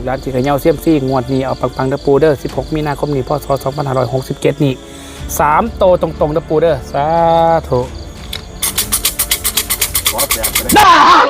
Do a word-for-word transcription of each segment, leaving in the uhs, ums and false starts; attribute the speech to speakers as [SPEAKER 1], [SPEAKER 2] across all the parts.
[SPEAKER 1] กหลานจิกระเยาเซียมซี่งวดนี้เอาปังๆเดอปูเดอร์สิบหกมีนาคมนี้พศสองพันห้าร้อยหกสิบเจ็ดนี่สามโตตรงๆเดอปูเดอร์สาธุได้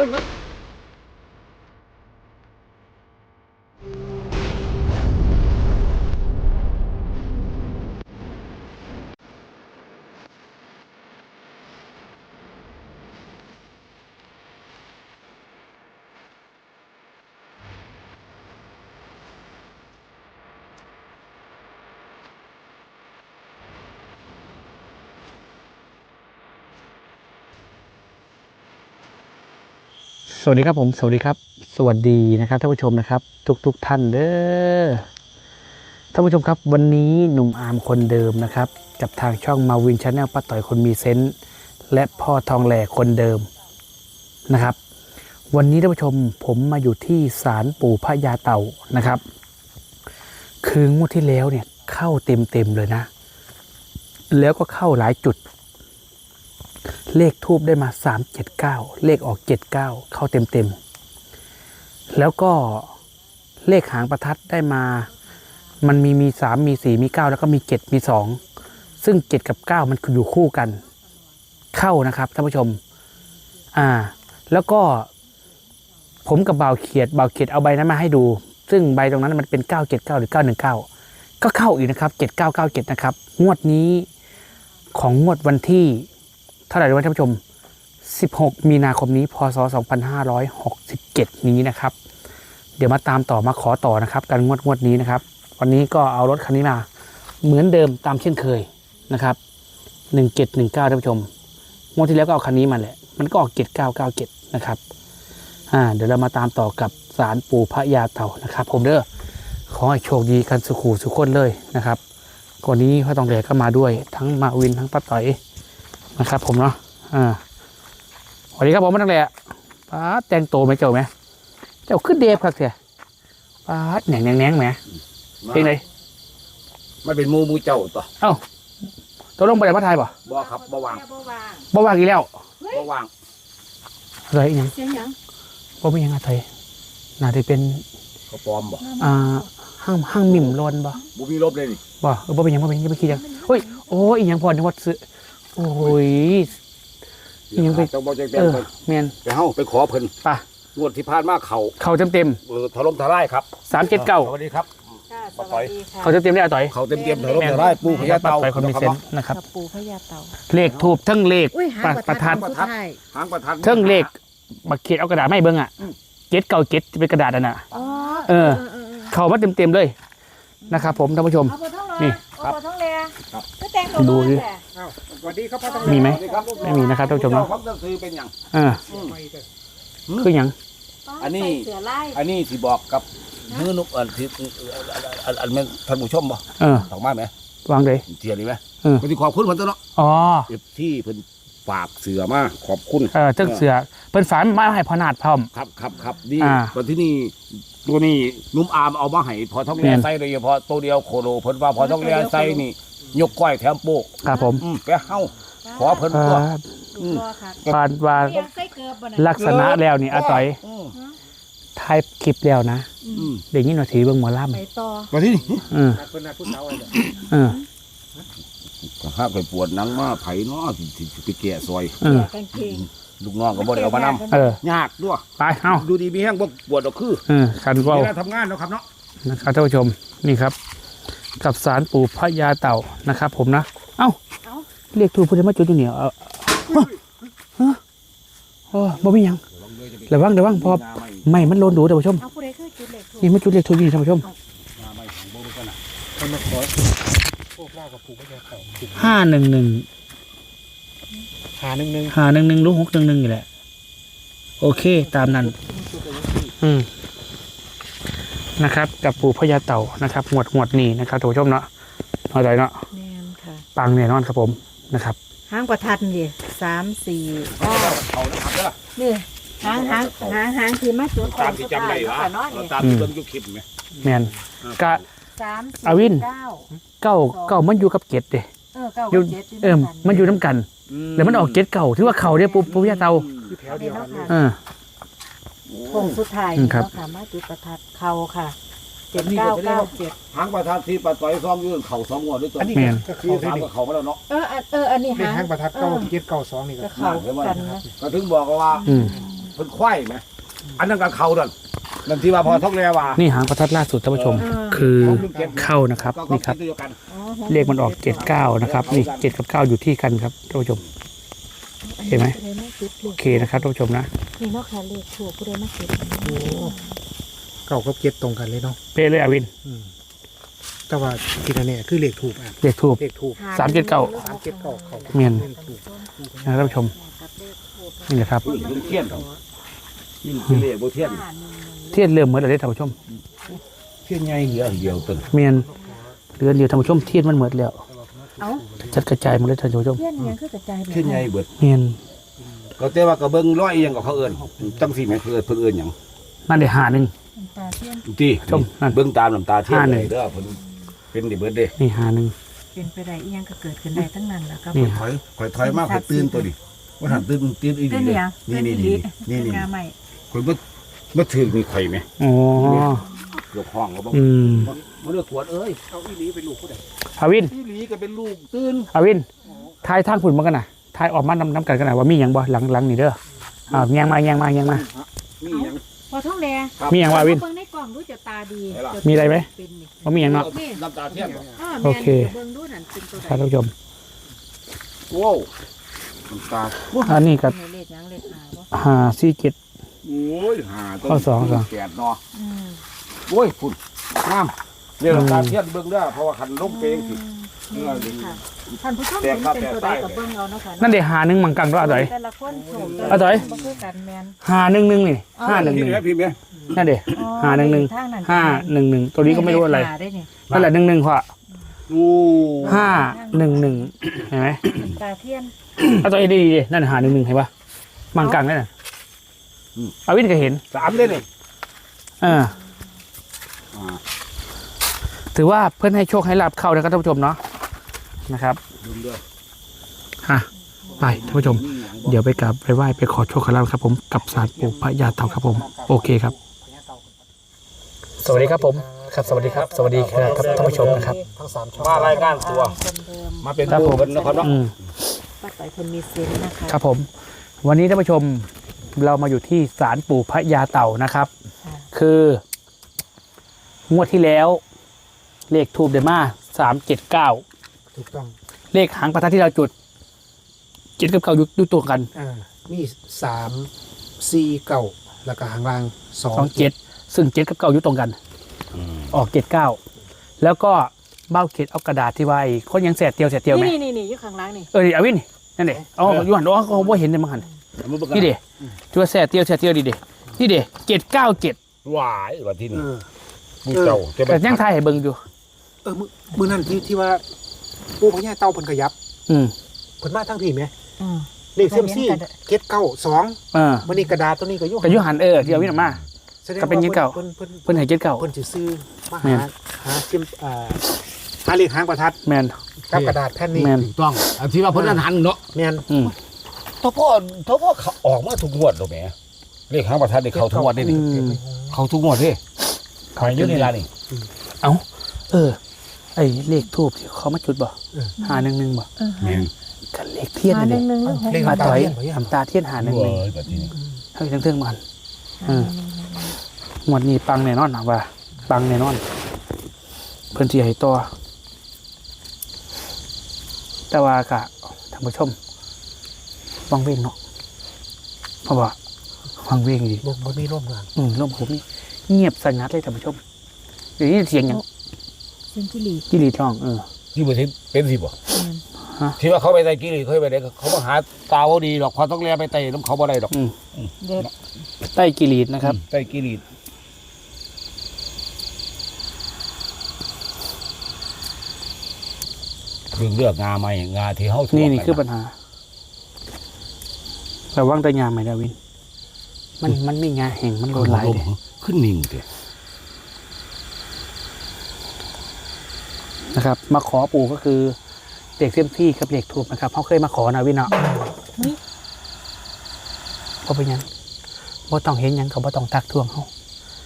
[SPEAKER 1] สวัสดีครับผมสวัสดีครับสวัสดีนะครับท่านผู้ชมนะครับทุกๆ ท, ท่านเด้อท่านผู้ชมครับวันนี้หนุ่มอาร์มคนเดิมนะครับกับทางช่องมาวินชาแนลป้าต่อยคนมีเซนส์และพ่อทองแหล่คนเดิมนะครับวันนี้ท่านผู้ชมผมมาอยู่ที่ศาลปู่พญาเต่านะครับคืองวดที่แล้วเนี่ยเข้าเต็มๆเลยนะแล้วก็เข้าหลายจุดเลขทูบได้มาสามเจ็ดเก้าเลขออกเจ็ดเก้าเข้าเต็มเต็มแล้วก็เลขหางประทัดได้มามันมีมีสามมีสี่มีเก้าแล้วก็มีเจ็ดมีสองซึ่งเจ็ดกับเก้ามันอยู่คู่กันเข้านะครับท่านผู้ชมอ่าแล้วก็ผมกับบ่าวเขียดบ่าวเขียดเอาใบนั้นมาให้ดูซึ่งใบตรงนั้นมันเป็นเก้าเจ็ดเก้าหรือเก้าหนึ่งเก้าก็เข้าอีกนะครับเจ็ดเก้าเก้าเจ็ดนะครับงวดนี้ของงวดวันที่เท่าไหร่ด้วยท่านผู้ชมสิบหกมีนาคมนี้พศสองพันห้าร้อยหกสิบเจ็ดนี้นะครับเดี๋ยวมาตามต่อมาขอต่อนะครับการงวดงวดนี้นะครับวันนี้ก็เอารถคันนี้มาเหมือนเดิมตามเช่นเคยนะครับหนึ่งเจ็ดหนึ่งเก้าท่านผู้ชมงวดที่แล้วก็เอาคันนี้มาแหละมันก็ออกเจ็ดเก้าเก้าเจ็ดนะครับอ่าเดี๋ยวเรามาตามต่อกับศาลปู่พญาเต่านะครับผมเด้อขอให้โชคดีกันสุขุสุขคนเลยนะครับก่อนนี้พ่อทองแหล่ก็มาด้วยทั้งมาวินทั้งป้าต่อยนะครับผมเนาะอ่าสวัสดีครับผมมาตั้งแต่ป้าแต่งโตไหมเจ้าไหมเจ้าขึ้นเดฟครับเสียป้าแหน่งแหน่งแหน่งไหมเป็นไง
[SPEAKER 2] มันเป็นมูมูเจ้าต่อ
[SPEAKER 1] เอ้าตัวลงไปไหนพระไทยป่ะ
[SPEAKER 2] บ่ครับบ่วาง
[SPEAKER 1] บ่วางอีกแล้ว
[SPEAKER 2] บ่วาง
[SPEAKER 1] อะไรอีกยังบ่ไม่ยังอะไรน่าจะเป็น
[SPEAKER 2] เขาปลอมบ่
[SPEAKER 1] อ่าห้างห้างมิ่มลนบ่
[SPEAKER 2] บ่มีลบเลยนี่
[SPEAKER 1] บ่เออบ่เป็นยังบ่เป็นยังไม่คิดยังเฮ้ยโอ้ยยังพอในวัดซื้อโอ้ยยังไปเออเมียน
[SPEAKER 2] ไปเฮ้าไปขอเพิ่น
[SPEAKER 1] ป่ะ
[SPEAKER 2] งวดที่ผ่านมาเขา
[SPEAKER 1] เขาเต็มเต็ม
[SPEAKER 2] เออถล่มทลายครับ
[SPEAKER 1] สามเจ็ดเก้า
[SPEAKER 2] สวัสดีครับ
[SPEAKER 3] สวัสดีค่ะ
[SPEAKER 1] เขาเต็มเต็มได้อะต่อย
[SPEAKER 2] เขาเต็มเต็มถล่มทลายปู่พญาเต่า
[SPEAKER 1] ไปคนมีเซนนะครับ
[SPEAKER 3] ปู่พญาเต่า
[SPEAKER 1] เลขทูบทั้งเลขประทัด
[SPEAKER 2] หางประทัด
[SPEAKER 1] ทั้งเลขบักเขียดเอากระดาษไม่เบิ้งอ่ะเก็ตเก่าเก็ตเป็นกระดาษน่ะเออเขามาเต็มเต็มเลยนะครับผมท่านผู้ชมนี่
[SPEAKER 3] ครับ
[SPEAKER 1] ดูดิ
[SPEAKER 2] สวัสดีครับ
[SPEAKER 1] มีไหมไม่มีนะครับท่านผู้ชมเนาะ
[SPEAKER 2] คือเป็นอย่าง
[SPEAKER 1] เออคืออย่าง
[SPEAKER 2] อันนี้อันนี้ที่บอกกับมือนุกอันที่อันเป็นท่านผู้ชมบ่
[SPEAKER 1] เออ
[SPEAKER 2] ถอกมาไหม
[SPEAKER 1] วางเลย
[SPEAKER 2] เทียนดีไหม
[SPEAKER 1] เออ
[SPEAKER 2] มันที่ขอบคุณมันตัวเนาะ
[SPEAKER 1] อ๋อ
[SPEAKER 2] ที่เพิ่นฝากเสือมาขอบคุณ
[SPEAKER 1] เออเจ้าเสือเพิ่นฝากมาให้พอนาดพร้อม
[SPEAKER 2] ครับครับครับดีตอนที่นี่ตัวนี้นุ่มอามเอามาให้พอท้องเลี้ยไส้โดยเฉพาะตัวเดียวโคโลเพิ่นว่าพอท้องเลี้ยไส้นี่ยกก้อยแถมโป๊ก
[SPEAKER 1] ครับผม
[SPEAKER 2] ไปเฮ้าขอเพิ่นตัว
[SPEAKER 1] ปานว่าลักษณะแล้วนี่อาต่อยถ่ายคลิปแล้วนะเด็กนี่หน่อยถือเบิ่งหมอลำ
[SPEAKER 3] ไปต่อ
[SPEAKER 2] มาที่นี่
[SPEAKER 1] เออเออ
[SPEAKER 2] ถ้าไปปวดนังมาไผ่เนาะสิไปแก่ซอย
[SPEAKER 1] เออ
[SPEAKER 2] ลูกน้องก็บ่ได้เอามานำ
[SPEAKER 1] เออย
[SPEAKER 2] ากด้วย
[SPEAKER 1] ไปเอ้า
[SPEAKER 2] ดูดีมีแห้งบ่ปวดดอกคือ
[SPEAKER 1] เออคันว่า
[SPEAKER 2] เวลาทำงานแล้วครับเนาะ
[SPEAKER 1] นะครับท่านผู้ชมนี่ครับกับศาลปู่พญาเต่านะครับผมนะเอ้าเรียกทูพูดได้มาจุดอยู่เหนียวเออฮะโอ้บ่มียังระวังระวังพอไม่มันโลนดูท่านผู้ชมนี่มันจุดเรียกทูอยู่ท่านผู้ชมห้าหนึ่งหนึ่ง
[SPEAKER 2] หาหนึ่งหนึ่ง
[SPEAKER 1] หาหนึ่งหนึ่งลูกหกหนึ่งหนึ่งอยู่แหละโอเคตามนั้นอืมนะครับกับปู่พญาเต่านะครับหมวดหมวดนี้นะครับท่านผู้ชมเนาะน้อยใจเนาะปังแน่นอนครับผมนะครับ
[SPEAKER 3] หางประทัดนี่สามสี่เก้านี่หางหางหางหางที่มาจุด
[SPEAKER 2] ตามที่จำได้วะตามที่เบิ่งยุคคลิปไหม
[SPEAKER 1] แมนกะอาวินเก้าเก้ามันอยู่กับเจ็ดเด้
[SPEAKER 3] เออเก้าเจ็ด
[SPEAKER 1] เออมันอยู่น้ำกันแล้วมันออกเจ็ดเก่าถือว่าเข่าเนี่ยปุ๊บปุ๊บยาเตาเออ
[SPEAKER 3] โค้งสุดท้าย
[SPEAKER 1] อืม
[SPEAKER 3] นี่
[SPEAKER 1] ครับ
[SPEAKER 3] เนาะค่ะมาจุดประทัดเข้าค่ะเจ็ดเก้าเก้าเจ็ด
[SPEAKER 2] หางประทัดที่ปลาต่อยซ้อมอยืนเข่าสองงวดด้วยตัว
[SPEAKER 4] อันนี้
[SPEAKER 1] แม่น
[SPEAKER 4] ก็
[SPEAKER 2] ที่
[SPEAKER 4] เข้าได้
[SPEAKER 2] สาม
[SPEAKER 4] ดิ
[SPEAKER 2] ก็เข่ามาแล้วเนาะ
[SPEAKER 3] เอออันเอออันนี้
[SPEAKER 4] เป็น
[SPEAKER 3] หาง
[SPEAKER 4] ห้างประทัดเก้า
[SPEAKER 3] ออ
[SPEAKER 4] เจ็ดเก้าสองนี่ก็
[SPEAKER 3] ก็เข้ากันนะ
[SPEAKER 2] ก็ถึงบอกว่า
[SPEAKER 1] อืม
[SPEAKER 2] เพิ่นควายไหมอันนั้นก็เข่าดันนั่นที่ว่าพอท้องแร่ว่า
[SPEAKER 1] นี่หางประทัดล่าสุดท่านผู้ชม คือเข้านะครับ
[SPEAKER 2] ก็
[SPEAKER 1] นี่ครับ
[SPEAKER 2] คิดเดียวกัน
[SPEAKER 3] อ๋อ
[SPEAKER 1] เลขมันออกเจ็ดเก้านะครับนี่เจ็ดกับเก้าอยู่ที่กันครับท่านผู้ชม เห็นไหม
[SPEAKER 3] ผู้ใดมาจุดล
[SPEAKER 1] โอเคนะครับท่านผู้ชมนะ
[SPEAKER 3] นี่เนาะค่ะเลขถูกผู้ใดมาจุด
[SPEAKER 4] เก้ากับเจ็ดตรงกันเลยเนาะ
[SPEAKER 1] เป้เลยอาวิน
[SPEAKER 4] อืมแต่ว่าที่นั่นเนี่ยคือเลขถูกอ่ะ
[SPEAKER 1] เลขทูบ
[SPEAKER 4] เลขถูก
[SPEAKER 1] สามเจ็ดเก้า
[SPEAKER 4] สามเจ็ดเก้าเขา
[SPEAKER 1] เมียน
[SPEAKER 4] เลขถูก
[SPEAKER 1] นะครับท่านผู้ชมนี่นะครับ
[SPEAKER 2] ผู้หญิงเทียนครับยิ่งเป็นเรียกโบเทียน
[SPEAKER 1] เทียนเริ่มเหมือนอะไรท่านผู้ชม
[SPEAKER 2] เทียนใหญ่เดียวเดียวตึง
[SPEAKER 1] เมียนเรือนเดียวท่านผู้ชมเทียนมันเหมือนแล้ว
[SPEAKER 3] เอ้า
[SPEAKER 1] จัดกระจายหมดเลยท่านผู้ชม
[SPEAKER 3] เทียนยังคือกระจายแบบ
[SPEAKER 2] เทียนใหญ่เบิด
[SPEAKER 1] เมียน
[SPEAKER 2] ก็แต่ว่าก็เบิ่งร้อยอยังกับเขาเอิ้นจังสี่แม่นเพิ่นเพิ่นเอิ้นหยัง
[SPEAKER 1] นั่นเดี๋ยวหาหนึ่ง
[SPEAKER 3] น้ำตาเทียน
[SPEAKER 2] ที่
[SPEAKER 1] ชมนั่น
[SPEAKER 2] เบิ่งตามน้ำตาเทียน
[SPEAKER 1] ห้าห
[SPEAKER 2] เล
[SPEAKER 1] นึ่ง
[SPEAKER 2] ยเด้อเพิ่นเป็นดิเบิดเด้
[SPEAKER 1] นี่หาหนึ่ง
[SPEAKER 3] เป็นไปได้อีหยังก็เกิดขึ้นได้ทั้งนั้นแหละครับ
[SPEAKER 1] นี่
[SPEAKER 2] ถอยถอยถอยมากข่อยตื่นตัวดิว่าหันตื่นตื่นอี
[SPEAKER 3] เต้
[SPEAKER 2] นี่
[SPEAKER 3] น
[SPEAKER 2] เลย
[SPEAKER 3] เนี่ย
[SPEAKER 2] นี่นี่นี่นี่นี่
[SPEAKER 3] งาใหม่
[SPEAKER 2] ข่อยบ่บ่ถือมีข่อยไหม
[SPEAKER 1] อ๋อ
[SPEAKER 2] ยกห้องก็บ่
[SPEAKER 1] อืม
[SPEAKER 2] บ่เลือกขวดเอ้ย
[SPEAKER 4] เอาอีหลีเป็นลูกผู้ใด
[SPEAKER 1] อาวิน
[SPEAKER 2] อีหลีก็เป็นลูกตื่น
[SPEAKER 1] อาวินทายทางฝุ่นมากันนะทายออกมาน้ำน้ำกันกันนะว่ามีอย่างบ่หลังหลังนี่เด้ออ้าวแยงมาแยงมาแยงมา
[SPEAKER 2] มีหยัง
[SPEAKER 3] พอท้องแดง
[SPEAKER 1] มีอย่างว่าวิน
[SPEAKER 3] เบิ่งในกล่องดูจะตาดี
[SPEAKER 2] ไหนล่ะ
[SPEAKER 1] มีอะไรไหม
[SPEAKER 3] เป็นนี่
[SPEAKER 1] ว่ามีอย่างเนาะ
[SPEAKER 3] นี่
[SPEAKER 2] น้ำตาเทียนบ่
[SPEAKER 3] อ้อ
[SPEAKER 1] โอ
[SPEAKER 3] แม่น
[SPEAKER 1] เค
[SPEAKER 3] ดี๋ยวเบิ่งดูนั่นเป็นตัวใด
[SPEAKER 1] ครับท่านผู้ชม
[SPEAKER 2] โว้วน้ำตา
[SPEAKER 1] อันนี้กับ
[SPEAKER 3] ให้เลขหยังเลขหาบ่
[SPEAKER 1] หาซีเกต
[SPEAKER 2] โอ้ยหาต้น
[SPEAKER 1] ข้อสองสอง
[SPEAKER 2] แปดเนาะ
[SPEAKER 3] อืม
[SPEAKER 2] โอ้ยฝุ่นงามเรียกน้ำตาเทียนเบิ่งเด้อเพราะว่าคันลงเพลงสิ
[SPEAKER 3] อืมนี่ค่ะท่านผู้ชม
[SPEAKER 2] แต่
[SPEAKER 3] เห็น
[SPEAKER 2] ครับ
[SPEAKER 3] เป็นตัว
[SPEAKER 2] แต่
[SPEAKER 3] ใด
[SPEAKER 2] ใต้
[SPEAKER 3] กับเบิ่งเอาเนาะค่ะ
[SPEAKER 1] นั่นเดี๋ยวหาหนึ่งมังกังด้วยอะไร
[SPEAKER 3] แต่ละคนโฉม
[SPEAKER 1] อ่ะต่อย
[SPEAKER 3] บ่คือกันแม่น
[SPEAKER 1] หาหนึ่งหนึ่งนี่ห้าหนึ่งห
[SPEAKER 2] พิม
[SPEAKER 1] นึ่ง
[SPEAKER 2] พ์ไหมพิมพ์ไหม
[SPEAKER 1] นั่นเดี๋ยว
[SPEAKER 3] อ๋อ
[SPEAKER 1] หาหนึ่งหนึ่ง
[SPEAKER 3] ทางนั้น
[SPEAKER 1] ห้าหนึ่งหนึ่งตัวนี้ก็ไม่รู้อะไร
[SPEAKER 3] เลขหาได้นี่
[SPEAKER 1] นั่นแหละหนึ่งหนึ่งพอ
[SPEAKER 2] โอ้
[SPEAKER 1] ห้าหนึ่งหนึ่งเห็นไหม
[SPEAKER 3] น้ำตาเทียน
[SPEAKER 1] เอาตัวเองดีๆดินั่นหาหนึ่งหนึ่งเห็นปะมังกังนั่นน่ะอาวินก็เห็น
[SPEAKER 2] สามเลยนี่
[SPEAKER 1] เออ
[SPEAKER 2] อ่า
[SPEAKER 1] ถือว่าเพื่อนให้โชคให้ลาบเข้านะครับท่านผู้ชมเนาะนะครับ
[SPEAKER 2] ลืมด้วย
[SPEAKER 1] อ่ะไปท่านผู้ชม เดี๋ยวไปกราบไปไหว้ไปขอโชคขอลาบครับผมกับศาลปู่พระยาเต่าครับผม โอเคครับ สวัสดีครับผมครับสวัสดีครับ สวัสดีครับท่านผู้ชมนะครับ
[SPEAKER 4] ทั้งสามช่อง
[SPEAKER 2] มารายการตัว
[SPEAKER 3] คนเดิม
[SPEAKER 2] มาเป็น
[SPEAKER 1] ครับ
[SPEAKER 2] ผู้
[SPEAKER 1] ผม
[SPEAKER 2] เป็นนะครับเนาะ
[SPEAKER 1] อืม
[SPEAKER 3] ป้าต่อยคนมีเซนส์นะคะ
[SPEAKER 1] ครับผม วันนี้ท่านผู้ชมเรามาอยู่ที่ศาลปู่พระยาเต่านะครับ
[SPEAKER 3] ค่ะ
[SPEAKER 1] คืองวดที่แล้ว เลขทูบเดมาสามเจ็ดเก้า
[SPEAKER 4] ถูกต้อง
[SPEAKER 1] เลขหางประทัดที่เราจุดเจ็ดกับเก้าอยู่อยู่ตัวกัน
[SPEAKER 4] อ่ามีสามสี่เก้าแล้วก็หางล่างสอง
[SPEAKER 1] สองเจ็ดซึ่งเจ็ดกับเก้าอยู่ตรงกัน ออกเจ็ดเก้าแล้วก็เบ้าเข็ดเอากระดาษที่ไว้คนยังแสดเตียวแสดเตียวไหม
[SPEAKER 3] นี่นี่นี่อยู่ข้างหล่างนี่
[SPEAKER 1] เออดิอาวินนั่นเด็อ๋ออยู่หันอ๋อเขาบ่เห็นเลยมั้งหัน
[SPEAKER 2] มาเบิ่งกั
[SPEAKER 1] นี่เด็จัวแสดเตียวแสดเตียวดิเด็นี่เด็เจ็ดเก้าเจ็ด
[SPEAKER 2] หวายวันที่
[SPEAKER 4] เอ
[SPEAKER 2] นี่
[SPEAKER 4] อ
[SPEAKER 2] ผู้เจ้าจะ
[SPEAKER 1] แต่ยังทายให้เบิ่งอยู่
[SPEAKER 4] เออมือมือนั่นที่ที่ว่าปู่พญาเต่าเพิ่นขยับ
[SPEAKER 1] อืม
[SPEAKER 4] เพิ่นมาทั้งพี่ไหม
[SPEAKER 3] อืม
[SPEAKER 4] เลขเซยมซี่เจ็ดเก้าสอง
[SPEAKER 1] เออ
[SPEAKER 4] วันนี้กระดาษตัวนี้ก็อยุ่
[SPEAKER 1] แต่อยุหันเออที่อาวินออกมา
[SPEAKER 4] แสดง
[SPEAKER 1] ก็เป็นเจ็ดเก้า
[SPEAKER 4] เพิ่นเพิ่น
[SPEAKER 1] เพิ่นให้เจ็ดเก้า
[SPEAKER 4] เพิ่นสิซื้อมา
[SPEAKER 1] แม่
[SPEAKER 4] หาน หาเซยมอ่าหาเลขหางประทัด
[SPEAKER 1] แมน
[SPEAKER 4] กับกระดาษแผ่นนี้
[SPEAKER 1] แมน
[SPEAKER 2] ถูกต้องอันที่ว่าเพิ่นนั้นหันเนาะ
[SPEAKER 4] แม่น
[SPEAKER 1] อืม
[SPEAKER 2] ทพ่อทพ่อเขาออกมาทุกงวดดอกแหมเลขหางประทัดนี่เข้าทุกงวดได้นี่
[SPEAKER 1] อืม
[SPEAKER 2] เข้าทุกงวดเด้ขายอยู่ในร้านนี่
[SPEAKER 1] เออ ไอ้เลขทูบที่เขามาจุดบ่หาหนึ่งหนึ่งบ่
[SPEAKER 3] เออ
[SPEAKER 2] แม่น
[SPEAKER 1] กันเลขเทียน
[SPEAKER 3] หา
[SPEAKER 1] นั่น
[SPEAKER 3] ห
[SPEAKER 1] เอ
[SPEAKER 3] นึ่ง
[SPEAKER 1] ง
[SPEAKER 3] หนึ่งหนึ่ง
[SPEAKER 4] เลข
[SPEAKER 1] มา
[SPEAKER 4] น้ำตา
[SPEAKER 1] ต่อย
[SPEAKER 4] เทียนบ่ยัง
[SPEAKER 1] ทำตาเทียนหาหนึ่งห
[SPEAKER 2] เว้
[SPEAKER 1] นึ่ง
[SPEAKER 2] ยแบบนี้
[SPEAKER 1] ให้ทั้งเทิงมันอืมงวดนี้ปังแน่นอนนะว่า ปังแน่นอน เพิ่นสิให้ต่อแต่ว่ากะท่านผู้ชมวังเวงเนาะเพราะว่าวังเวงดี
[SPEAKER 4] บ่บ่มีร่มงาน
[SPEAKER 1] อืมลมผมนี่เงียบสงัดเลยท่านผู้ชมเดี๋ยวนี้เสียงอย่าง
[SPEAKER 3] เซนจิลี
[SPEAKER 1] กิริร้องเออ
[SPEAKER 2] ที่บ่สิเป็นสิบ่
[SPEAKER 1] ฮะ
[SPEAKER 2] ที่ว่าเขาไปไต่กิริเขาไปได้เขามาหาตาบ่ดีดอกพอต้องแลไปไต่น้ำเขาบ่ได้ดอก
[SPEAKER 1] อืม
[SPEAKER 3] เด็ด
[SPEAKER 1] ใต้กิรีดนะครับ
[SPEAKER 2] ไต่กิริเรื่องเลือกงาใหม่งาที่เฮา
[SPEAKER 1] นี่นี่คือปัญหาระวังแตะยามไหมดาวิน มันมันมีงาแห่งมันโดนหลาย
[SPEAKER 2] ลม
[SPEAKER 1] เด้
[SPEAKER 2] ขึ้นนิ่งเด้
[SPEAKER 1] นะครับ มาขอปู่ก็คือเด็กเซียมซี่กับเด็กถูกนะครับเขาเคยมาขอนะวินเนาะเพราะเป็นหยังบ่ต้องเห็นหยังก็บ่ต้องทักท้วงเฮา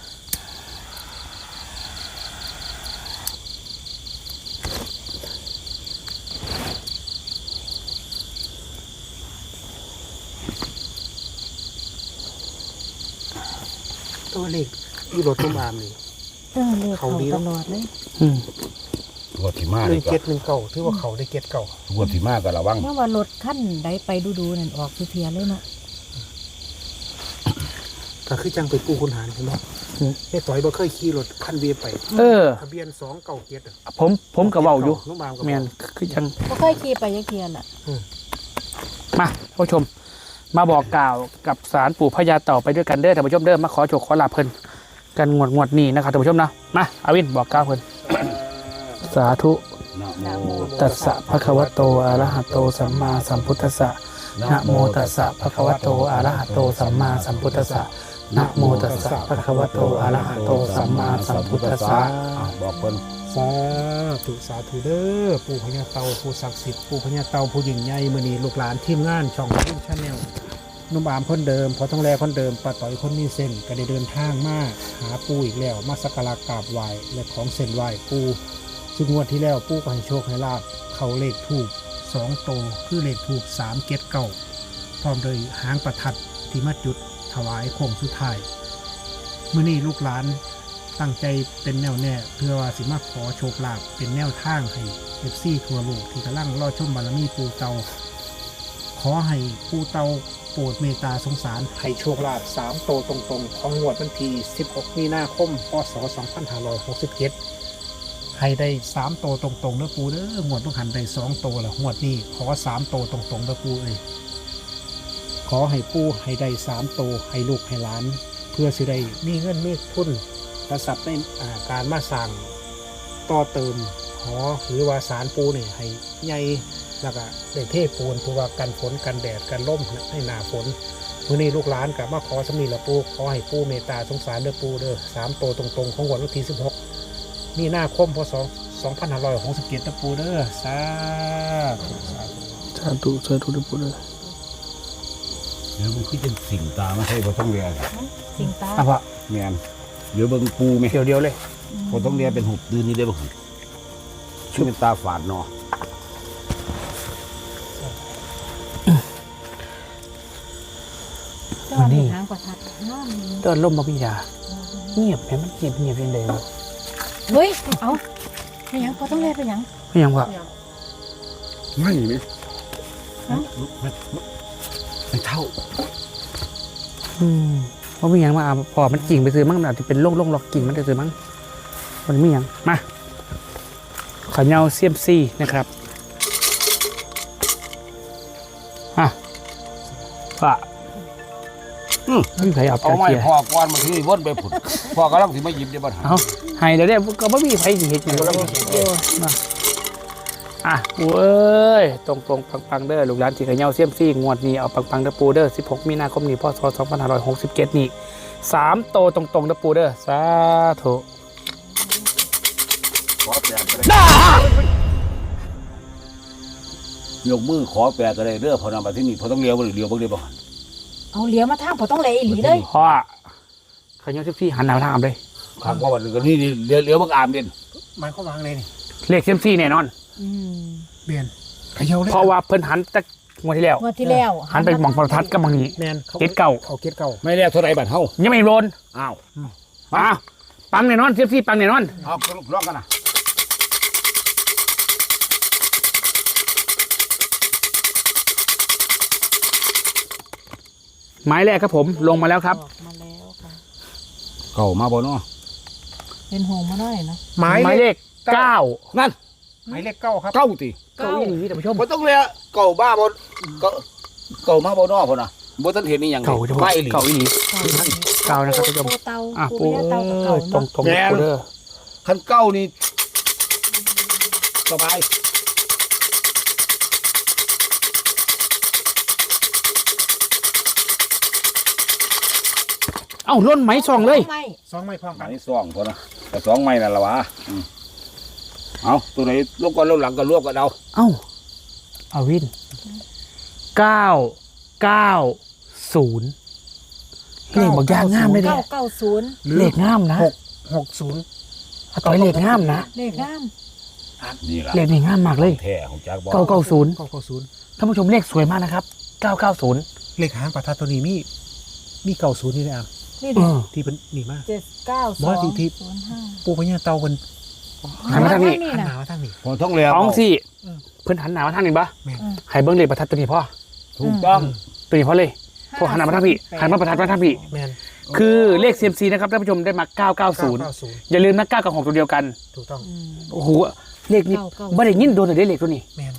[SPEAKER 4] ตัวเลขที่รถตุ้มอามนี่
[SPEAKER 3] เออเลขเขาตลอดเลย
[SPEAKER 1] อืม
[SPEAKER 2] งวดที่มา
[SPEAKER 4] ห
[SPEAKER 2] เล
[SPEAKER 4] นึ่
[SPEAKER 2] ย
[SPEAKER 4] ง
[SPEAKER 2] ก็
[SPEAKER 4] เจ็ดหนึ่งเก่าที่ว่าเขาได้เก็ตเก่าง
[SPEAKER 2] วดที่มาก็ระวัง
[SPEAKER 3] เมื่อว่ารถขั้นใดไปดูๆนั่นออกคือเพียเลยเนาะ
[SPEAKER 4] ก็คือจังไปกู้คุณหารใช่ไหมไอ้ต่อยบ่เคยขี่รถคันเวียไป
[SPEAKER 1] เออ
[SPEAKER 4] ทะเบียนสองเก่าเก็ตอ่ะ
[SPEAKER 1] ผมผมก็เว้าอยู่
[SPEAKER 4] น้องบามก็
[SPEAKER 1] แม่นคือจัง
[SPEAKER 3] บ่เคยขี่ไปยักเทียนล่ะ
[SPEAKER 1] มาท่านผู้ชม มาบอกกล่าวกับศาลปู่พญาเต่าไปด้วยกันเด้อท่านผู้ชมเด้อมาขอโชคขอลาภเพิ่นกันงวดงวดนี้นะครับท่านผู้ชมนะมาอาวินบอกกล่าวเพิ่น สาธุ
[SPEAKER 2] นะโม
[SPEAKER 1] ตัสสะภะคะวะโตอะระหะโตสัมมาสัมพุทธัสสะนะโมตัสสะภะคะวะโตอะระหะโตสัมมาสัมพุทธัสสะนะโมตัสสะภะคะวะโตอะระหะโตสัมมาสัมพุทธัสสะ
[SPEAKER 2] อ่ะบอกเพิ่น
[SPEAKER 4] สาธุสาธุเด้อปู่พญาเต่าผู้ศักดิ์สิทธิ์ปู่พญาเต่าผู้ยิ่งใหญ่มื้อนี้ลูกหลานทีมงานช่องรุ่งชาแนลนุ่มอามคนเดิมพอต้องแลคนเดิมป้าต่อยคนมีเส้นก็ได้เดินทางมาหาปู่อีกแล้วมาสักการะกราบไหว้และของเส้นไหว้ปู่ซึ่งงวดที่แล้วปู่ก็ให้โชคให้ลาบเขาเลขถูกสองโตวคือเลขถูกสามเก็ดเก้าพร้อมโดยหางประทัดที่มาจุดถวายโค้งสุดท้ายมื้อนี้ลูกหลานตั้งใจเป็นแนวแน่เพื่อว่าสิมาขอโชคลาภเป็นแนวทางให้เอฟซีทั่วโลกที่กำลังรอชมบารมีปูเตาขอให้ปูเตาโปรดเมตตาสงสารให้โชคลาภสามโตวตรงๆ ของงวดวันที่สิบหกมีนาคมพศสองพันห้าร้อยหกสิบเจ็ดให้ได้สามโตวตรงๆเด้อปูเด้องวดต้องหันได้สองโตวละงวดนี้ขอสามโตวตรงๆเด้อปูเอ้ยขอให้ปูให้ได้สามโตวให้ลูกให้หลาน เพื่อสิได้มีเงินมีทุนประสับในอ่าการมาสั่งต่อเติมหอหรือว่าสารปูนี่ให้ใหญ่แล้วก็ได้เทปูนเพื่อว่ากันฝนกันแดดกันล่มให้หนาฝนมื้อนี้ลูกหลานกับมาขอสำนีละปูขอให้ปูเมตตาสงสารเด้อปูเด้อสามโตวตรงๆของวันที่สิบหกมีนาคมพศสองพันห้าร้อยหกสิบเจ็ดนะปูเด้อสาธุสาธุ
[SPEAKER 1] สาธุสาธุเด้อปู่เด้อ
[SPEAKER 2] เดี๋ยวมันคือจะสิ่งตาไม่ใช่บ่ต้องเรียน
[SPEAKER 3] สิงตา
[SPEAKER 1] อ่ะพ่อ
[SPEAKER 2] แม่นเดี๋ยวเบิ่งปูไหม
[SPEAKER 1] เดี๋ยวเดียวเลย
[SPEAKER 2] บ่ต้องเรียนเป็นหุบดืนนี่ได้บ่ชื่อเป็นตาฝาดเนาะ
[SPEAKER 3] เจ้ามีหางประทัดนอน
[SPEAKER 1] ตอนล่มบ่มียาเงียบแม่มันเงียบเงียบยังไงวะ
[SPEAKER 3] เฮ้ยเอาไปหยังบ่ต้องแลไปหยัง
[SPEAKER 1] ไม่ยังวะ
[SPEAKER 2] ไม่ไหม
[SPEAKER 3] ฮะ
[SPEAKER 2] ไม่เท่า
[SPEAKER 1] อืมว่ามีหยังมาอ่ะพอมันกิ่งไปซื้อมั้งมันอาจจะเป็นโรคโรคหลอกกิ่งมันจะซื้อมั้งมันมีหยังมาขอเงาเซียมซีนะครับอ่ะป่ะ
[SPEAKER 2] อืม
[SPEAKER 1] ไม่มีใครเอา
[SPEAKER 2] เอา
[SPEAKER 1] ตะ
[SPEAKER 2] ไม้
[SPEAKER 1] เกียบ
[SPEAKER 2] พอก่อนมันที่วนไปผุดพอกำลังสิมาหยิบได้บ่ทัน
[SPEAKER 1] เอาให้เดี๋ยวเดี๋ยวก็ไม่มีใครสิเห็นอย่างนี้มาอ่ะปูเอ้ยตรงตรงปังปังๆเด้อลูกหลานที่ขยเงาเซียมซี่งวดนี้เอาปังปังๆเด้อปูเด้อสิบหกมีนาคมนี้พศสองพันห้าร้อยหกสิบเจ็ดนี่สามโตตรงตรงๆเด้อปูเด้อสาธุ
[SPEAKER 2] ขอแปลก็ได้ยกมือขอแปลก็ได้เด้อพอนำมาที่นี่พอต้องเลี้ยวบ่หรือเลี้ยวบ่ได้บ่
[SPEAKER 3] เอาเหลียวมาทางบ่ต้องแลอีหลีเลย
[SPEAKER 1] พ่อขยเงาเซียมซี่หันหน้าทางเลย
[SPEAKER 2] ถามว่าวันนึงก็นี่นี่เลี้ยวเลี้ยวบักอามเด่น
[SPEAKER 4] มันเข้าวางเลยนี่
[SPEAKER 1] เลขเซียมซี่แน่นอน
[SPEAKER 3] อืม
[SPEAKER 4] เบียนเขย่าเลย
[SPEAKER 1] เพราะว่าเพิ่นหันจากงวดที่แล้ว
[SPEAKER 3] งวดที่แล้ว
[SPEAKER 1] หันไปหมองประทัดกับหมองนี้
[SPEAKER 4] แมนเขา
[SPEAKER 1] เก็ตเก่า
[SPEAKER 4] เขาเก็ตเก่า
[SPEAKER 2] ไม่เรียกเท่าไรบัดเฮา
[SPEAKER 1] ยังไม่โดน
[SPEAKER 2] อ้าว
[SPEAKER 1] อ้าวปังแน่นอนเซียมซี่ปังแน่นอน
[SPEAKER 2] เอาลองกันนะ
[SPEAKER 1] หมายแรกครับผมลงมาแล้วครับ
[SPEAKER 3] ออกมาแล้วค่ะ
[SPEAKER 2] เก่ามาบ่เนาะ
[SPEAKER 3] เป็นโฮมมาหน่อยนะ
[SPEAKER 4] หมาย
[SPEAKER 1] หมาย
[SPEAKER 4] เล
[SPEAKER 1] เล
[SPEAKER 4] ข
[SPEAKER 1] ขเก้า
[SPEAKER 2] นั่น
[SPEAKER 4] หมายเลขเก้าครับ
[SPEAKER 2] เก้าติ
[SPEAKER 1] เก้าอี้นี่ท่านผู้ชม
[SPEAKER 2] บ่ต้องเรียกเก่าบ้าบ่เก่าเก่ามาบ่เนาะพุ่นน่ะบ่ทันเห็นนี่หยัง
[SPEAKER 1] เก่าจะ
[SPEAKER 2] ไม่หลี
[SPEAKER 1] เก่าอีหลี เก้านะครับ
[SPEAKER 3] ปู
[SPEAKER 1] ท่านผู้ชม
[SPEAKER 3] ปูเตา
[SPEAKER 1] อ่ะ
[SPEAKER 3] ปู
[SPEAKER 1] ปู
[SPEAKER 3] ย่าเตากับ
[SPEAKER 1] เอ้
[SPEAKER 3] เก่าย
[SPEAKER 1] ตรง
[SPEAKER 3] เนาะ
[SPEAKER 1] ตรงปูเด้อ
[SPEAKER 2] คันเก้านี่สบาย
[SPEAKER 1] เอ้าล้นไหมซองเลย
[SPEAKER 3] ไม่
[SPEAKER 4] สองไม้พร้อม
[SPEAKER 2] อั
[SPEAKER 4] กัน น
[SPEAKER 2] นี้สองพุ่นน่ะแต่สองไม้นั่นล่ะวะอืมเอาตัวไหนลงก่อนลงหลังก็รวบกันเอา
[SPEAKER 1] เอ้าเอาวินเก้าเก้าศูนย์เลขบอกยางงามเลยเด้
[SPEAKER 3] เก้าเก้าศูนย์
[SPEAKER 4] หรือ
[SPEAKER 1] เลขงามนะ
[SPEAKER 4] หกหกศูนย์
[SPEAKER 1] อาต่อยเลขงามนะ
[SPEAKER 3] เลขงาม
[SPEAKER 2] นี่ล่ะ
[SPEAKER 1] เลขนี่งามมากเลย
[SPEAKER 2] แท้ของจักบ่
[SPEAKER 1] เก้าเก้าศูนย์
[SPEAKER 4] เก้าเก้าศูนย์
[SPEAKER 1] ท่านผู้ชมเลขสวยมากนะครับเก้าเก้าศูนย์
[SPEAKER 4] เลขหางประทัดตัวนี้มีมีเก้าศูนย์นี่เลยอ่ะ
[SPEAKER 3] นี่
[SPEAKER 1] เอ
[SPEAKER 3] ดิ
[SPEAKER 1] อ
[SPEAKER 4] ที่เป็นนี่มาก
[SPEAKER 3] เจ็ดเก้าส
[SPEAKER 4] บ
[SPEAKER 3] อ
[SPEAKER 4] อง สที่ที่
[SPEAKER 3] ศูนย์ห้า
[SPEAKER 4] ปูพญาเตาเป็น
[SPEAKER 1] หันมาทางนี้
[SPEAKER 4] หันห
[SPEAKER 3] นะ
[SPEAKER 4] นามาทางนี้
[SPEAKER 2] พอท้องแล้ว
[SPEAKER 1] อ๋องสี่
[SPEAKER 4] อืม
[SPEAKER 1] เพิ่นหันหน้ามาทางนี้ปะ
[SPEAKER 4] แม่น
[SPEAKER 1] ให้เบิ้งเลขประทัดตัวนี้พ่อ
[SPEAKER 2] ถูกต้อง
[SPEAKER 1] ตัวนี้พ่อเลยพอหันหน้ามาทางพี่หันมาประทัดมาทางพี่
[SPEAKER 4] แม่น
[SPEAKER 1] คือเลข ซี เอ็ม ซี นะครับท่านผู้ชมได้มาเก้าเก้าศูนย์
[SPEAKER 4] เก้าศูนย์
[SPEAKER 1] อย่าลืมนะเก้ากับหกตัวเดียวกัน
[SPEAKER 4] ถูกต้อง
[SPEAKER 3] อืม
[SPEAKER 1] โอ้โหเลขนี้
[SPEAKER 3] เก้าเก้า
[SPEAKER 1] ไม่ได้ยินโดนเลยเลขตัวนี้
[SPEAKER 4] แม่น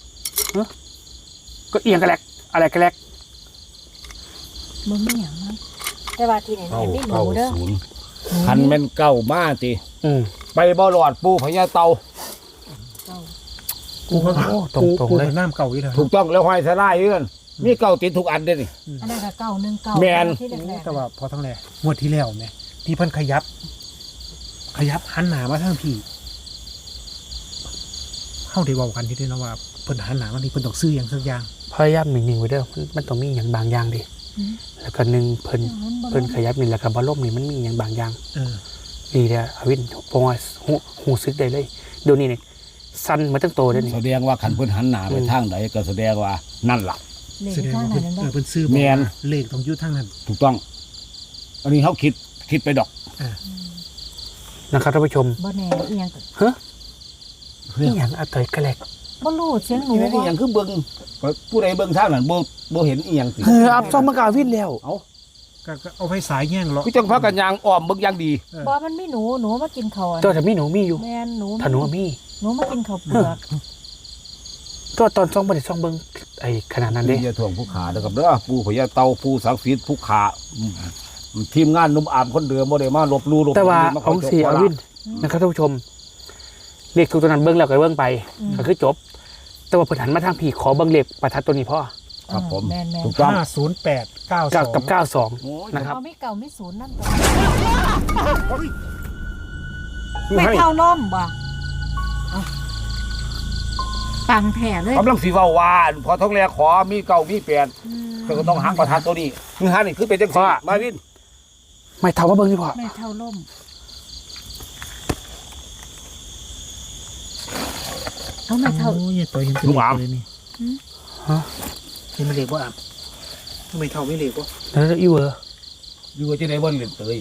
[SPEAKER 1] ก็เอียงกันแลกอะไรกันแลก
[SPEAKER 3] มึงไม่หยังมั้งแต่ว่าที่ไหน
[SPEAKER 2] เก้า
[SPEAKER 3] ไม่หนู
[SPEAKER 2] เก้า
[SPEAKER 3] เด้อ
[SPEAKER 2] ศูนย์คันแม่นเก้ามาติ
[SPEAKER 1] อืม
[SPEAKER 2] ไปบ่รอดปูพญาเตา
[SPEAKER 3] เก้า
[SPEAKER 4] กูก็
[SPEAKER 1] โอ้ตรง
[SPEAKER 4] กู
[SPEAKER 1] ตรง
[SPEAKER 4] กู
[SPEAKER 1] เลย
[SPEAKER 4] เป็นน้ำเก่าอีกแล้ว
[SPEAKER 2] ถูกต้องแล้วห้อยสลายอยู่นั่นมีเก้าติดทุกอันเด้อนี่
[SPEAKER 3] อันนั้นก็เก้าหนึ่งเก้า
[SPEAKER 2] แม่น
[SPEAKER 3] ที่แรกๆ
[SPEAKER 4] แต่ว่าพอทั้งแรกงวดที่แล้วแม่ที่เพิ่นขยับ ขยับหันหนามาทางพี่เข้าได้เว้ากันที่ด้วยนะว่าเพิ่นหันหนามาที่เพิ่นต้องซื้ออย่างสักอย่าง
[SPEAKER 1] พยายามหนึ่งๆไว้เด้อมันมันต้องมีอย่างบางอย่างดิ
[SPEAKER 3] อืม
[SPEAKER 1] แล้วก็หนึ่งเพิ่นเพิ่นขยับนี่แล้วก็บอลลมนี่มันมีอย่างบางอย่าง
[SPEAKER 4] เออ
[SPEAKER 1] นี่เด้ออวินพงว่าหูหูซึกได้เลยเดี๋ยวนี้เนี่ยสั้นมาตั้งโตได้นี่
[SPEAKER 2] แสดงว่าคันเพิ่นหันหน้าไป
[SPEAKER 1] อืม
[SPEAKER 2] ทางใดก็แสดงว่านั่นล่ะ
[SPEAKER 3] เลข
[SPEAKER 4] แสดง
[SPEAKER 3] ข้าง
[SPEAKER 4] ว่า
[SPEAKER 3] ไหน
[SPEAKER 4] เพิ่น
[SPEAKER 3] นั่น
[SPEAKER 4] เอ
[SPEAKER 3] บ้า
[SPEAKER 4] อเพิ่นซื้อ
[SPEAKER 2] แม่น
[SPEAKER 4] เลขต้องอยู่ทางนั้น
[SPEAKER 2] ถูกต้อง อันนี้เขาคิดคิดไปดอก
[SPEAKER 1] นะครับท่านผู้ชม
[SPEAKER 3] บ่แน่เอียงก็
[SPEAKER 1] นี่อย่างอาต่อยกระแลก
[SPEAKER 3] บ่รู้เสียงหนู
[SPEAKER 2] นี่นี่
[SPEAKER 3] บ่
[SPEAKER 2] อย่างคือเบิ่งผู้ใดเบิ่งทางนั้นบ่บ่เห็นอีหยังสิ
[SPEAKER 1] เอออับซ่อมมากบอาวินแล้ว
[SPEAKER 2] เอ้า
[SPEAKER 4] ก็ก็เอาไฟสายแย่งเหรอ
[SPEAKER 2] พี่จังพากันยางอ้อมเบิ่งอย่างดี
[SPEAKER 3] บ่มันไม่หนูหนูมากินข้าวอะ
[SPEAKER 1] ตัวแต่มีหนูมีอยู่
[SPEAKER 3] แม่นหนู
[SPEAKER 1] ถ้าหนูมี
[SPEAKER 3] หนูมากินข้าวเปลือก
[SPEAKER 1] ตัวตอนซ่องบ่ได้ซ่องเบิ่งไอ้ขนาดนั้นเด้
[SPEAKER 2] นี่อย่าถ่วงผู้ขาเด้อครับเด้อผู้พญาเตาผู้ศักดิ์สิทธิ์ผู้ขาอืมทีมงานหนุ่มอามคนเดิมบ่ได้มาลบลู่ลบ
[SPEAKER 1] แต่ว่า
[SPEAKER 2] มา
[SPEAKER 1] ของสี่อวินนะครับท่านผู้ชมเลขทุกตัวนั้นเบิ่งแล้วก็เบิ่งไป
[SPEAKER 3] อืม
[SPEAKER 1] ก็คือจบ แต่ว่าเพิ่นหันมาทางพี่ขอเบิ่งเลขประทัดตัวนี้พ่อ
[SPEAKER 2] ครับผม
[SPEAKER 3] แม่นแม่น
[SPEAKER 2] ถูกต้อง
[SPEAKER 4] ห้าศูนย์แปดเก้าส
[SPEAKER 1] กับ
[SPEAKER 4] อง
[SPEAKER 1] กับเก้าสอง
[SPEAKER 2] โอ้ย
[SPEAKER 1] นะครับ
[SPEAKER 3] เอาไม่เก่าไม่ศูนย์นั่นตัวไม่เท่าล่มบ่เอาปังแผ่เลย
[SPEAKER 2] กำลังสิเว้าว่าพอท้องแลขอมีเก้ามีแปด
[SPEAKER 3] อืม
[SPEAKER 2] ก็ต้องหักประทัดตัวนี้คือหันนี่คือเป็นจังซี่มาวิน
[SPEAKER 1] ไม่เท่าว่าเบิ่งนี่พ่อ
[SPEAKER 3] ไม่เท่าล่มเอาไม่เท่า
[SPEAKER 4] โอ้ยตัวเห็นเป็นเลขเลยนี่
[SPEAKER 1] ฮะ
[SPEAKER 4] เห็นเป็นเลขว่าอ่ะทำไมเท่าไม่เลขวะ
[SPEAKER 1] แล้วอีเวอร์
[SPEAKER 2] อยู่ว่าจะได้บ่เล่นเตย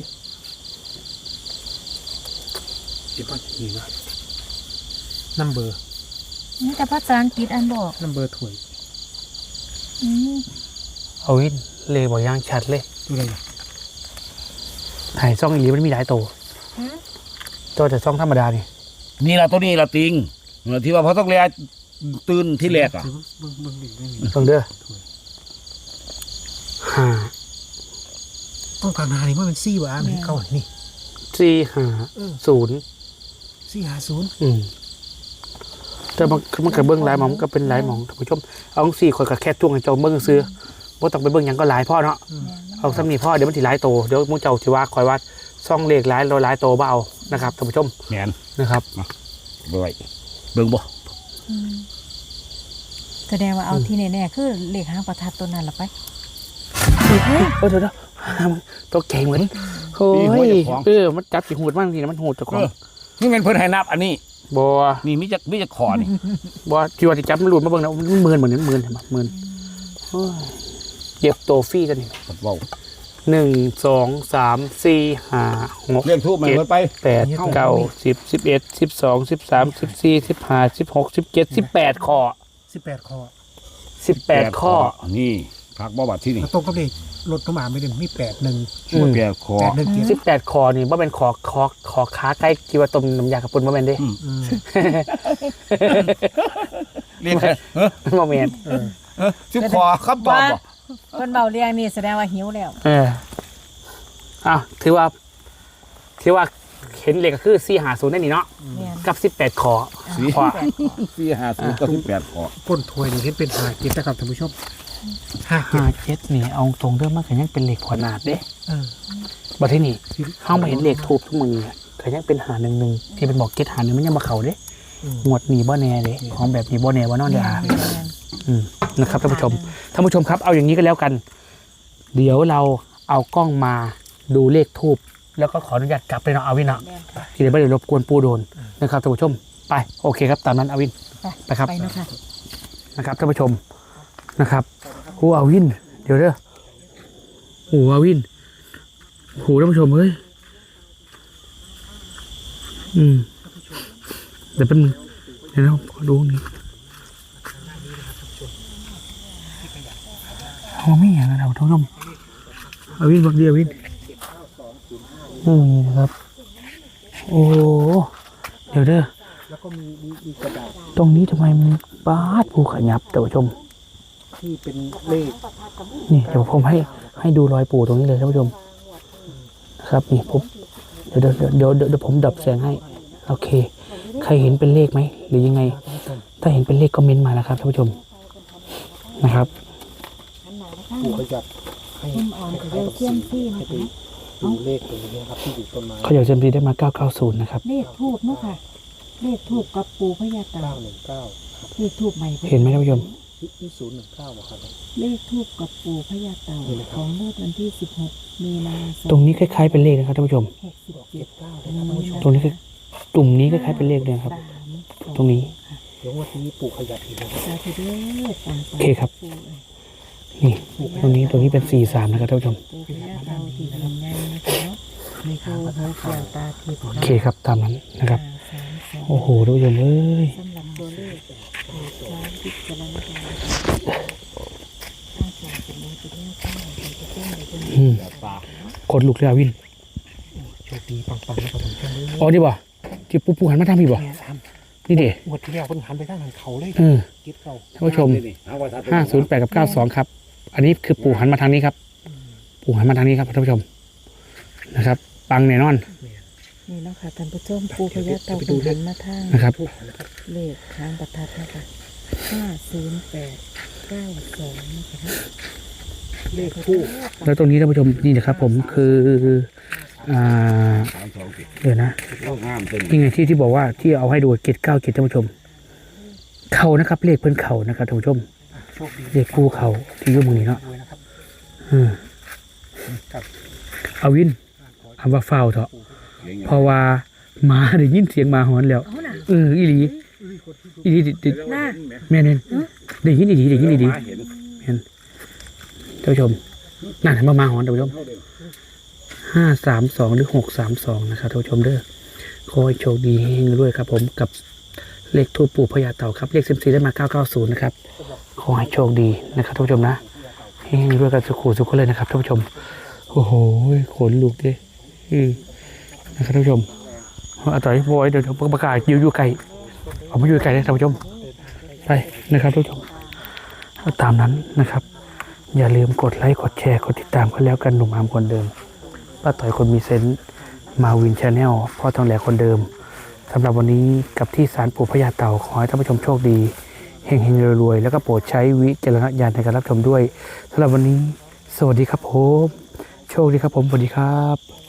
[SPEAKER 4] เดี๋ยวพ่อจะมีว่านัมเบอร์
[SPEAKER 3] นี่แต่ภาษาอังกฤษอันบอก
[SPEAKER 4] นัมเบอร์ถวย
[SPEAKER 3] อืม
[SPEAKER 1] อวินเลขบ่อย่างชัดเลย
[SPEAKER 4] ดูอะไรนะ
[SPEAKER 1] ถ่ายซ่องอีหลีมันมีหลายตัว
[SPEAKER 3] ฮะ
[SPEAKER 1] ตัวแต่ซ่องธรรมดานี่
[SPEAKER 2] นี่ล่ะตัวนี้ล่ะติงที่ว่าพอท้องแลตื่นที่แรกอ่ะ
[SPEAKER 4] เบิ่งเบิ่งเบิ่งเบิ่งนี่
[SPEAKER 1] เบิ่งเด้อห้า
[SPEAKER 4] ต้องข้างหน้านี่มันเป็นซี่วะมันเก้านี่
[SPEAKER 1] สี่ห้าศูนย์
[SPEAKER 4] ซี่หาศูนย์
[SPEAKER 1] อืมแต่มันมันก็เบิ้งหลายหมองมันก็เป็นหลายหมองท่านผู้ชมเอาสี่คนกับแค่จ้วงให้เจ้าเบิ้งซื้อบ่ต้องไปเบิ้งหยังก็หลายพ่อเนาะเอาซ้ำนี่พ่อเดี๋ยวมันสิหลายโตเดี๋ยวมึงเจ้าสิว่าคอยว่าซ่องเลขหลายเราหลายโตบ่เอานะครับท่านผู้ชม
[SPEAKER 2] แม่น
[SPEAKER 1] นะครับ
[SPEAKER 2] บ่ไหวเบิ่งบ่
[SPEAKER 3] อืมแสดงว่าเอาที่แน่ๆคือเลขหางประทัดตัวนั้นละไป
[SPEAKER 1] เฮ้ยเดี๋ยวเดี๋ยวตัวเก่งเหมือนโอ้ยเออมันจับสิหูดมากทีนะมันหูดเจ้าของ
[SPEAKER 2] นี่เป็นเพิ่นให้นับอันนี้
[SPEAKER 1] บ่
[SPEAKER 2] นี่มีจักมีจักขอนี่
[SPEAKER 1] บ่ที่ว่าสิจับมันหลุดมาเบิ่งนะมันหมื่นเหมือนหมื่นเห็นบ่หมื่นโอ้ยเก็บโตฟรีกันนี่
[SPEAKER 2] เว้า
[SPEAKER 1] หนึ่งสองสามสี่ห้าหก
[SPEAKER 2] เรียกทูบมาเพิ่นไป
[SPEAKER 1] แปดเก้าสิบสิบเอ็ดสิบสองสิบสามสิบสี่สิบห้าสิบหกสิบเจ็ดสิบแปดข้อ
[SPEAKER 4] สิบแปดคอ
[SPEAKER 1] สิบแปดข้อ
[SPEAKER 2] นี่พักบ่บัดที่นี่
[SPEAKER 4] ตรงกับเลขรถกระบะไม่ได้มีแปดหนึ่ง
[SPEAKER 1] อืม
[SPEAKER 2] แปดคอ
[SPEAKER 4] แปดหนึ่งเจ็ด
[SPEAKER 1] สิบแปดข้อนี่ว่าเป็นขอขอขอขาใกล้กีว่าต้มน้ำยากระปุนว่าเป็นเด้
[SPEAKER 2] อืม
[SPEAKER 4] อืม
[SPEAKER 2] เรียกเฮ้อ
[SPEAKER 1] โมเมนต์
[SPEAKER 4] เออ
[SPEAKER 2] เฮ้อสิบคอคำตอบบ่
[SPEAKER 3] เพิ่นเบาเรียงนี่แสดงว่าหิวแล้ว
[SPEAKER 1] เอออ้าวถือว่าถือว่าเห็นเลขก็คือสี่หาศูนย์ได้นี่เนาะ
[SPEAKER 3] แม่น
[SPEAKER 1] กับสิบแปดข้อ
[SPEAKER 2] สี่
[SPEAKER 1] ข้อ
[SPEAKER 3] แปดข้อ
[SPEAKER 2] สี่ห้าศูนย์กับสิบแปดคอ
[SPEAKER 4] ก้นถวยนี่เห็นเป็นหาเจ็ดนะครับท่านผู้ชมห้าเจ็ด
[SPEAKER 1] ห้าเจ็ดนี่เอาตรงเรื่องมันก็ยังเป็นเลขขนาดเด้
[SPEAKER 4] เออ
[SPEAKER 1] บัดที่นี่เข้ามาเห็นเลขทูบทุกมือเนี่ยก็ยังเป็นหาหนึ่งหนึ่งที่เป็นบอกเก็ตหาหนึ่งมันยังมาเข่าเด้
[SPEAKER 4] อืม
[SPEAKER 1] หมวดหนีบ่แน่เลยของแบบหนีบ่แน่ว่านอนยา
[SPEAKER 3] แม่น
[SPEAKER 1] อืมนะครับท่านผู้ชมท่านผู้ชมครับเอาอย่างนี้ก็แล้วกัน เดี๋ยวเราเอากล้องมาดูเลขทูบแล้วก็ขออนุญาตกลับไปเนาะอาวินเนาะ
[SPEAKER 3] แม่นค่ะ
[SPEAKER 1] ที่เดี๋ยวไม่ได้รบกวนปูโดนนะครับท่านผู้ชมไปโอเคครับตามนั้นอาวิน ไปครับ
[SPEAKER 3] ไปเนาะค่ะ
[SPEAKER 1] นะครับท่านผู้ชมนะครับโอ้อาวิน เดี๋ยวเด้อโอ้อาวินโหท่านผู้ชมเฮ้ยอืมเดี๋ยวเป็นงเดี๋ยวนะขอดูนี่โอ้ไม่อย่างนั้นเราท่านผู้ชมอาวินบักเดียวอาวินอืมนี่นะครับโอ้เดี๋ยวเด้อ
[SPEAKER 4] แล้วก็มีมีมีกระดาษ
[SPEAKER 1] ตรงนี้ทำไมมันบาดภูขยับท่านผู้ชม
[SPEAKER 4] ที่เป็นเลข
[SPEAKER 1] นี่เดี๋ยวผมให้ให้ดูรอยปูตรงนี้เลยท่านผู้ชมนะครับนี่ผมเดี๋ยวเดี๋ยวเดี๋ยวเดี๋ยวเดี๋ยวผมดับแสงให้โอเค ใครเห็นเป็นเลขไหมหรือยังไง ถ้าเห็นเป็นเลขก็เม้นต์มานะครับท่านผู้ชมนะครับ
[SPEAKER 4] ปู่ขยับให้
[SPEAKER 3] ต้นอ่อนกับเรือเทียมซี่นะ
[SPEAKER 4] ให้ไป
[SPEAKER 3] คะ
[SPEAKER 4] ดูเลขตรงนี้นะครับที่อยู่ต้นไม้
[SPEAKER 1] เขาอยากเซมซีได้มาเก้าเก้าศูนย์นะครับ
[SPEAKER 3] เลขทูบเนาะค่ะ เลขทูบกับปูพญาเต่า
[SPEAKER 4] เก้าหนึ่งเก้า
[SPEAKER 3] เลขทูบใหม่
[SPEAKER 1] เห็นไหมท่านผู้ชม
[SPEAKER 4] นี่ศูนย์หนึ่งเก้าครับ
[SPEAKER 3] เลขทูบกับปูพญาเต่าของงวดวันที่สิบหกมีนาคม
[SPEAKER 1] ตรงนี้คล้ายๆเป็นเลขนะครับท่านผู้ชม
[SPEAKER 3] หกสิบเจ็ด
[SPEAKER 4] เก้าเลยครับท่านผู้ชม
[SPEAKER 1] ตรงนี้คือกลุ่มนี้คล้ายๆเป็นเลขเลยครับ
[SPEAKER 3] สามสอ
[SPEAKER 1] ตรงนี้
[SPEAKER 4] เดี๋ยววันนี้ปู่ขยับอีกนะครับ
[SPEAKER 3] สาธุเด้อตามไป
[SPEAKER 1] โอเคครับ นี่ตรงนี้ตรงนี้เป็นสี่สามนะครับท่านผู้ชม
[SPEAKER 3] ปูพญาเต่าที่ทำงานนะคะเนาะในโคหัวเกี่ยวตาทิพย์
[SPEAKER 1] โอเคครับตามนั้นนะครับ
[SPEAKER 3] สามสอง
[SPEAKER 1] โอ้โหท่านผู้ชมเอ้ย
[SPEAKER 3] สำหรับตัวเลขโปรดใช้วิจารณญาณถ้าจากเป็นมือเป็นแนวข้างเป็นจะเป็นหรือเป็น
[SPEAKER 1] อืม
[SPEAKER 2] ตา
[SPEAKER 1] ขนลุกเลยอาวิน
[SPEAKER 4] โชคดีปังๆนะครับท่านผู้ชม
[SPEAKER 1] อ๋อนี่บ่ที่ปูปูหันมาทางพี่บ่
[SPEAKER 4] เนี่ยท
[SPEAKER 1] นี่เด็
[SPEAKER 4] ำงวดที่แล้วเพิ่นหันไปทางหันเขาเลย
[SPEAKER 1] เออ
[SPEAKER 4] คิดเขา
[SPEAKER 1] ท่านผู้ชม ห้าศูนย์แปดกับเก้าสองครับ อันนี้คือปู่หันมาทางนี้ครับ ปู่หันมาทางนี้ครับท่านผู้ชมนะครับ ปังแน่นอน
[SPEAKER 3] นี่เนาะค่ะท่านผู้ชมปูพญาเต่าเป็นหันมาทาง
[SPEAKER 1] นะครับ
[SPEAKER 4] ทูบนะครับ
[SPEAKER 3] เลขทางประทัดนะคะห้าศูนย์แปดเก้าสองนะคะ
[SPEAKER 4] เลขทูบ
[SPEAKER 1] แล้วตรงนี้ท่านผู้ชมนี่นะครับ ผมคืออ่า
[SPEAKER 2] สามสองสิบ
[SPEAKER 1] เดี๋ยวนะ
[SPEAKER 2] ก็งามเป็น
[SPEAKER 1] นี่ไงที่ที่บอกว่าที่เอาให้ดูเกตเก้าเกตท่านผู้ชม เข่านะครับ เลขเพิ่นเข่านะครับท่านผู้ชม
[SPEAKER 4] โชคดี
[SPEAKER 1] เลขคู่เข่าที่อยุ่มือนี้เนาะ
[SPEAKER 4] ด้วยนะครับ
[SPEAKER 1] อืม
[SPEAKER 4] กับ
[SPEAKER 1] เอาวินคำว่าเฝ้าเถอะ
[SPEAKER 2] เสียง
[SPEAKER 1] เพราะว่าหมาได้ยินเสียงหมาหอนแล้ว
[SPEAKER 3] เอาน่ะ
[SPEAKER 1] เอออีหลีอีหลีดิดิ
[SPEAKER 3] น่า
[SPEAKER 1] แม่เน้นได้ยินอีหลีได้ยินอีหลี
[SPEAKER 2] เห็น
[SPEAKER 1] ท่านผู้ชมนั่นเห็นมามาหอนท่านผู้ชมห้าสามสองหรือหกสามสองนะครับท่านผู้ชมเด้อขอให้โชคดีเฮงๆด้วยครับ ผมกับเลขทูปปู่พญาเต่าครับเลขซิมซีได้มาเก้าเก้าศูนย์นะครับขอให้โชคดีนะครับท่านผู้ชมนะเฮงๆด้วยกันสุขุสุขเลยนะครับท่านผู้ชมโอ้โหขนลุกดิอือนะครับท่านผู้ชมเอาต่อยบอยเดี๋ยวประกาศอยู่อยู่ไกลเอามาอยู่ไกลเลยท่านผู้ชมไปนะครับท่านผู้ชมเอาตามนั้นนะครับ อย่าลืมกดไลค์กดแชร์กดติดตามกันแล้วกันหนุ่มอามคนเดิมป้าต่อยคนมีเซนต์มาวินชาแนลพ่อทองแหลคนเดิมสำหรับวันนี้กับที่ศาลปู่พญาเต่าขอให้ท่านผู้ชมโชคดีเฮงๆรวยๆแล้วก็โปรดใช้วิจารณญาณในการรับชมด้วยสำหรับวันนี้สวัสดีครับผมโชคดีครับผมสวัสดีครับ